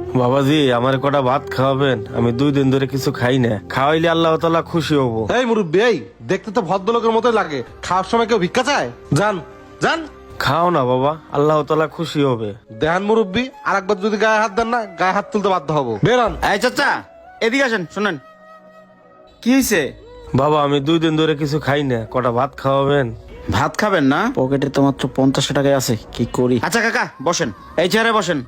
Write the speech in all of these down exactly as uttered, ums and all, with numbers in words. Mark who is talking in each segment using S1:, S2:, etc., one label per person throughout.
S1: বাবাজি আমার কটা ভাত খাওয়াবেন, আমি দুই দিন ধরে কিছু খাই না, খাওয়াইলে আল্লাহ তাআলা খুশি হব।
S2: এই মুরব্বী, এই দেখতে তো ভদ্রলোকের মতোই লাগে, খাওয়ার সময় কেউ ভিক্ষা চায়? যান যান,
S1: খাও না বাবা, আল্লাহ তাআলা খুশি হবে।
S2: দেহান মুরব্বী, আর একবার যদি গায়ে হাত দেন না, গায়ে হাত তুলতে বাধ্য হবো। বেরান।
S3: এই চাচা এদিকে আসেন, শুনেন কি হয়েছে?
S1: বাবা আমি দুই দিন ধরে কিছু খাই না, কটা ভাত খাওয়াবেন?
S3: ভাত খাবেন না? পকেটে তো মাত্র পঞ্চাশ টাকাই আছে, কি করি? আচ্ছা কাকা বসেন, এই চেয়ারে বসেন।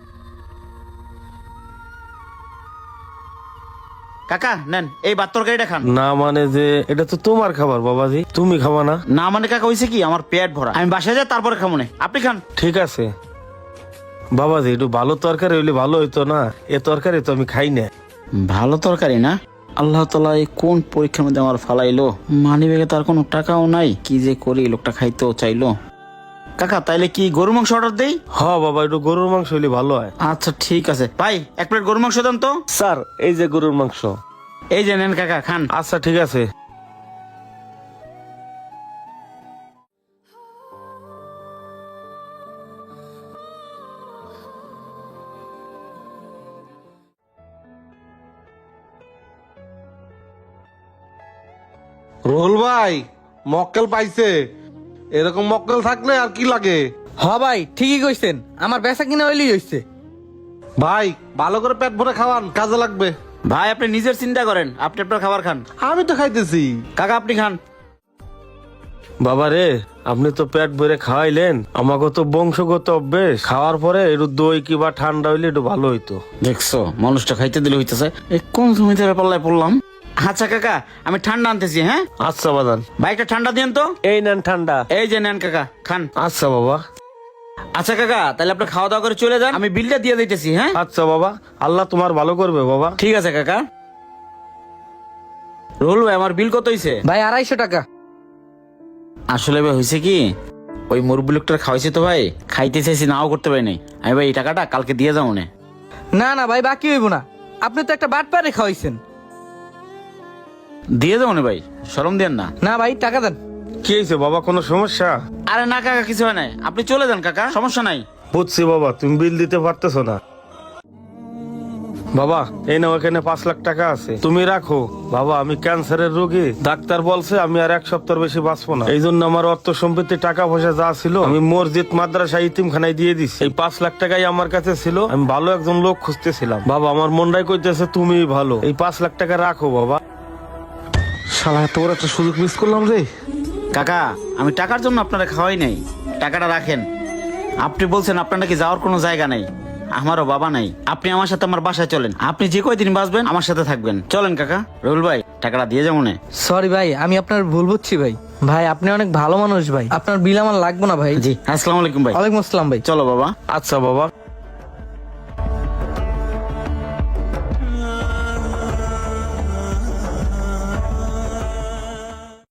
S3: কাকা নেন এই ভাত তরকারিটা খান।
S1: না মানে যে এটা তো তোমার খাবার বাবাজি, তুমি খাবা না?
S3: না মানে কাকা হয়েছে কি, আমার পেট ভরা, আমি বাসায় যাই তারপরে খাবো না, আপনি খান।
S1: ঠিক আছে বাবাজি, একটু ভালো তরকারি হইলে ভালো হইতো না, এ তরকারি তো আমি খাই না।
S3: ভালো তরকারি না? আল্লাহ তাআলা এই কোন পরীক্ষার মধ্যে আমার ফালাইলো, মানি ব্যাগে তার কোনো টাকাও নাই, কি যে করি, লোকটা খাইতেও চাইলো। কাকা তাইলে কি গরু মাংস অর্ডার দেই?
S1: হ বাবা, একটু গরুর মাংস হইলে ভালো হয়।
S3: আচ্ছা ঠিক আছে ভাই, এক প্লেট গরু মাংস দেন তো।
S1: স্যার এই যে গরুর মাংস।
S3: এই যে নেন কাকা খান।
S1: আচ্ছা ঠিক আছে।
S2: রোল ভাই, মক্কেল পাইছে। এরকম মক্কেল থাকলে আর কি লাগে।
S4: হ ভাই ঠিকই কইছেন, আমার বেচা কিনা হইলেই হইছে।
S2: ভাই ভালো করে পেট ভরে খাওয়ান, কাজে লাগবে।
S3: ভাই আপনি নিজের চিন্তা করেন, আপনি আপনার খাবার খান।
S2: আমি তো খাইতেছি।
S3: কাকা আপনি খান।
S1: বাবা রে, আপনি তো পেট ভরে খাওয়াইলেন, আমাকে তো বংশগত অভ্যেস, খাওয়ার পরে একটু দই কিবা ঠান্ডা হইলে একটু ভালো হইতো।
S3: দেখছো মানুষটা খাইতে দিলে হইতেছে, এই কোন জমিতে পাল্লায় পড়লাম। আচ্ছা কাকা আমি ঠান্ডা আনতেছি। হ্যাঁ
S1: আচ্ছা বাদান,
S3: বাইকটা ঠান্ডা দিন তো।
S1: এই নেন ঠান্ডা।
S3: এই যে নেন কাকা খান।
S1: আচ্ছা বাবা।
S3: আচ্ছা কাকা তাহলে আপনি খাওয়া দাওয়া করে চলে যান, আমি বিলটা দিয়ে দিতেছি। হ্যাঁ
S1: আচ্ছা বাবা, আল্লাহ তোমার ভালো করবে বাবা।
S3: ঠিক আছে কাকা। রোল ভাই আমার বিল কত হইছে?
S4: ভাই আড়াইশো টাকা।
S3: আসলে ভাই হয়েছে কি, ওই মুরব্বি লোকটার খাওয়াইছে তো ভাই, খাইতে চাইছি নাও করতে পারি নাই, আমি ভাই এই টাকাটা কালকে দিয়ে যাবো না।
S4: না না ভাই বাকি হইব না, আপনি তো একটা বাট পারে খাওয়াইছেন।
S3: দিয়ে যাবো না ভাই, শরম দেন না।
S4: না ভাই টাকা দেন।
S1: কি হয়েছে বাবা, কোনো সমস্যা?
S3: আরে না কাকা কিছু হয় নাই, আপনি চলে যান কাকা, সমস্যা নাই।
S1: বুঝছি বাবা, তুমি বিল দিতে পারতেছো না। বাবা এই নাও, এখানে পাঁচ লাখ টাকা আছে, তুমি রাখো। বাবা আমি ক্যান্সারের রোগী, ডাক্তার বলছে আমি আর এক সপ্তাহ বেশি বাঁচবো না, এই জন্য আমার অর্থ সম্পত্তি টাকা পয়সা যা ছিল আমি মসজিদ মাদ্রাসা ইতিমখানায় দিয়ে দিছি। এই পাঁচ লাখ টাকাই আমার কাছে ছিল, আমি ভালো একজন লোক খুঁজতেছিলাম। বাবা আমার মনটাই কইতেছে তুমি ভালো, এই পাঁচ লাখ টাকা রাখো বাবা।
S2: শালা এত বড় একটা সুযোগ মিস করলাম রে।
S3: কাকা আমি টাকার জন্য আপনারা খাওয়াই নাই, টাকাটা রাখেন। আপনি বলছেন আপনার নাকি যাওয়ার কোনো জায়গা নাই, আমারও বাবা নাই, আপনি আমার সাথে আমার বাসায় চলেন, আপনি যে কয়দিন বাঁচবেন আমার সাথে থাকবেন, চলেন কাকা। রুল ভাই টাকাটা দিয়ে যাবো না।
S4: সরি ভাই, আমি আপনার ভুল বুঝছি ভাই। ভাই আপনি অনেক ভালো মানুষ ভাই, আপনার বিল আমার লাগবে না ভাই।
S3: জি আসসালামু আলাইকুম ভাই।
S4: ওয়ালাইকুম আসসালাম ভাই।
S3: চলো বাবা।
S1: আচ্ছা বাবা।